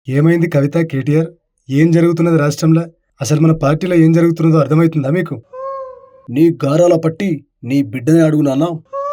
ఏమైంది కవిత, కేటీఆర్? ఏం జరుగుతున్నది రాష్ట్రంలో? అసలు మన పార్టీలో ఏం జరుగుతున్నదో అర్థమవుతుందా మీకు? నీ గారాల పట్టి నీ బిడ్డని అడుగునానా?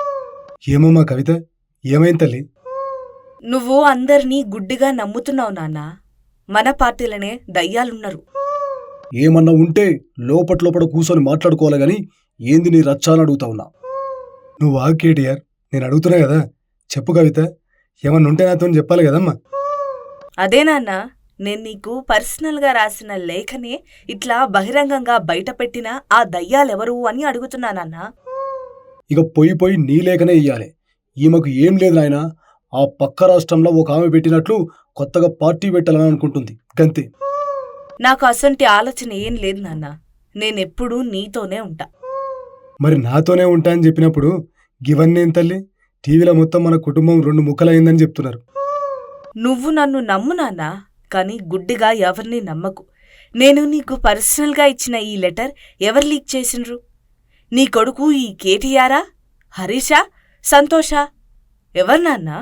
ఏమో మా కవిత, ఏమైంది తల్లి? నువ్వు అందర్నీ గుడ్డిగా నమ్ముతున్నావు నాన్నా. మన పార్టీలనే దయ్యాలున్నారు. ఏమన్నా ఉంటే లోపట కూర్చొని మాట్లాడుకోవాలి గాని ఏంది నీ రచ్చాలని అడుగుతావునా? నువ్వు ఆగు కేటీఆర్, నేను అడుగుతున్నా కదా. చెప్పు కవిత, ఏమన్నా ఉంటే నాతో చెప్పాలి కదమ్మా. అదే నాన్నా, నేను నీకు పర్సనల్గా రాసిన లేఖనే ఇట్లా బహిరంగంగా బయటపెట్టిన ఆ దయ్యాలెవరు అని అడుగుతున్నానన్నా. ఇక పొయ్యి నీ లేఖనే ఇయ్యాలి. ఈమెకు ఏం లేదు నాయనా. ఆ పక్క రాష్ట్రంలో ఒక ఆమె పెట్టినట్లు కొత్తగా పార్టీ పెట్టాలని అనుకుంటుంది గంతే. నాకు అసంటి ఆలోచన ఏం లేదు నాన్న. నేనెప్పుడూ నీతోనే ఉంటా. మరి నాతోనే ఉంటా అని చెప్పినప్పుడు గివన్నేం తల్లి? టీవీలో మొత్తం మన కుటుంబం 2 ముక్కలైందని చెప్తున్నారు. నువ్వు నన్ను నమ్ము నాన్నా, కాని గుడ్డిగా ఎవరిని నమ్మకు. నేను నీకు పర్సనల్గా ఇచ్చిన ఈ లెటర్ ఎవరు లీక్ చేసిండ్రు? నీ కొడుకు ఈ కేటీఆరా, హరీషా, సంతోషా? ఎవరు నాన్నా?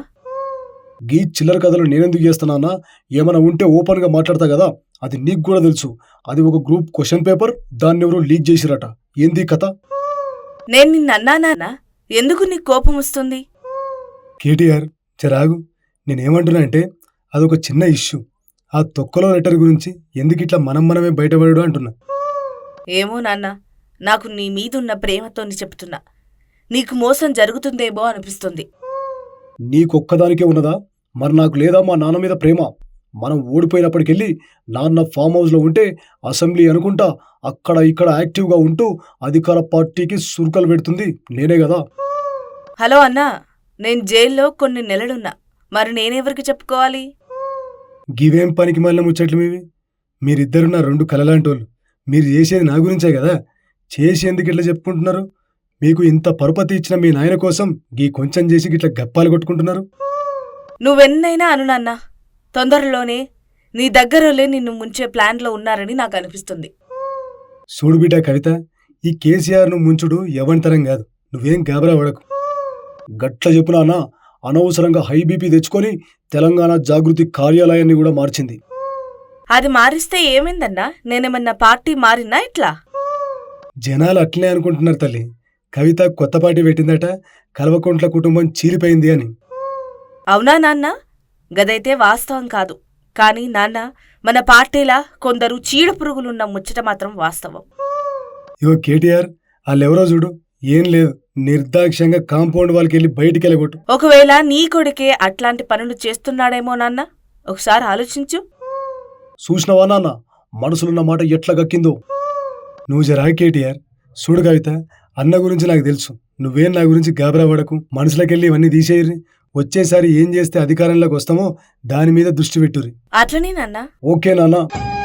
గీ చిల్లర కథలు నేనెందుకు చేస్తున్నానా? ఏమైనా ఉంటే ఓపెన్గా మాట్లాడతా కదా. అది నీకు కూడా తెలుసు. అది ఒక గ్రూప్ క్వశ్చన్ పేపర్, దాన్ని ఎవరో లీక్ చేసిరట. ఏంది కథ? నేను నిన్నన్నానా? ఎందుకు నీకు కోపం వస్తుంది? కేటీఆర్ చెరాగు, నేనేమంటున్నా అంటే అదొక చిన్న ఇష్యూ. ఆ తొక్కలో లెటర్ గురించి ఎందుకు ఇట్లా మనమే బయటపడడు అంటున్నా. ఏమో నాన్న, నాకు నీ మీదున్న ప్రేమతోని చెప్తున్నా. నీకు మోసం జరుగుతుందేమో అనిపిస్తుంది. నీకొక్కదానికే ఉన్నదా? మరి నాకు లేదా మా నాన్న మీద ప్రేమ? మనం ఓడిపోయినప్పటికెళ్ళి నాన్న ఫామ్ హౌస్లో ఉంటే అసెంబ్లీ అనుకుంటా అక్కడ ఇక్కడ యాక్టివ్గా ఉంటూ అధికార పార్టీకి సురుకలు పెడుతుంది నేనే కదా. హలో అన్నా, నేను జైల్లో కొన్ని నెలలున్నా. మరి నేనెవరికి చెప్పుకోవాలి? గివేం పనికి మళ్ళీ ముచ్చట్లు మీవి? మీరిద్దరు నా 2 కలలాంటోళ్ళు. మీరు చేసేది నా గురించే కదా. చేసేందుకు ఇట్లా చెప్పుకుంటున్నారు? మీకు ఇంత పరుపతి ఇచ్చిన మీ నాయన కోసం గీ కొంచెం చేసి గిట్లా గప్పాలు కొట్టుకుంటున్నారు. నువ్వెన్నైనా అను నాన్నా, తొందరలోనే నీ దగ్గరలే నిన్ను ముంచే ప్లాన్లో ఉన్నారని నాకు అనిపిస్తుంది. చూడు బిడ్డ కవిత, ఈ కేసీఆర్ను ముంచుడు ఎవరితరం కాదు. నువ్వేం గాబరా పడకు. గట్ల చెప్పునానా, అనవసరంగా హై బీపీ తెచ్చుకొని తెలంగాణ జాగృతి కార్యాలయాన్ని కూడా మార్చింది. అది మారిస్తే ఏమైందన్నా? నేనేమన్నా పార్టీ మారినా ఇట్లా? జనాలు అట్లనే అనుకుంటున్నారు తల్లి. కవిత కొత్త పార్టీ పెట్టిందట, కల్వకుంట్ల కుటుంబం చీలిపోయింది అని. అవునా నాన్న? గదైతే వాస్తవం కాదు. కానీ నాన్న, మన పార్టీలా కొందరు చీడ పురుగులున్న ముచ్చట మాత్రం వాస్తవం. ఇగో కేటీఆర్, వాళ్ళెవరో చూడు, ఏం లేదు, నిర్దాక్ష్యంగా కాంపౌండ్ వాళ్ళకి వెళ్ళి బయటికి వెళ్ళగొట్టు. ఒకవేళ నీ కొడుకే అట్లాంటి పనులు చేస్తున్నాడేమో నాన్న, ఒకసారి ఆలోచించు. చూసినవా నాన్న, మనసులున్న మాట ఎట్లా గక్కిందో. నువ్వు జరా కేటీఆర్. చూడు కవిత, అన్న గురించి నాకు తెలుసు. నువ్వేం నా గురించి గాబరా పడకు. మనసులోకెళ్ళి ఇవన్నీ తీసేయరి. వచ్చేసారి ఏం చేస్తే అధికారంలోకి వస్తామో దాని మీద దృష్టి పెట్టుర్రి. అట్లనే నాన్న. ఓకే నాన్న.